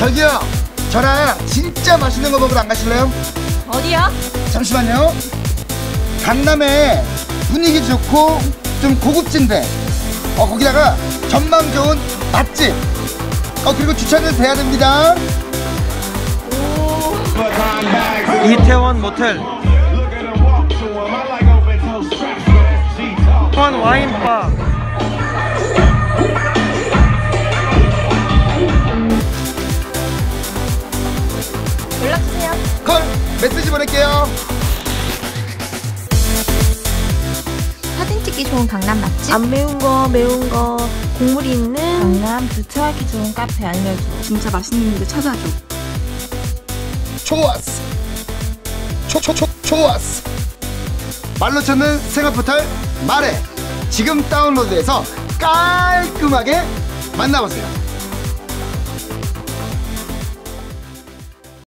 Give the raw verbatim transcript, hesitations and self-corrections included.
저기요, 저랑 진짜 맛있는 거 먹으러 안 가실래요? 어디요? 잠시만요. 강남에 분위기 좋고 좀 고급진데 어 거기다가 전망 좋은 맛집 어 그리고 주차는 돼야 됩니다. 이태원 모텔 원 와인바. 연락주세요. 콜 메시지 보낼게요. 사진 찍기 좋은 강남 맛집? 안 매운 거, 매운 거, 국물이 있는 강남 주차하기 좋은 카페 알려줘. 진짜 맛있는 데 찾아줘. 좋았어. 초초초 좋았어. 말로 찾는 생활포털 말해. 지금 다운로드해서 깔끔하게 만나보세요.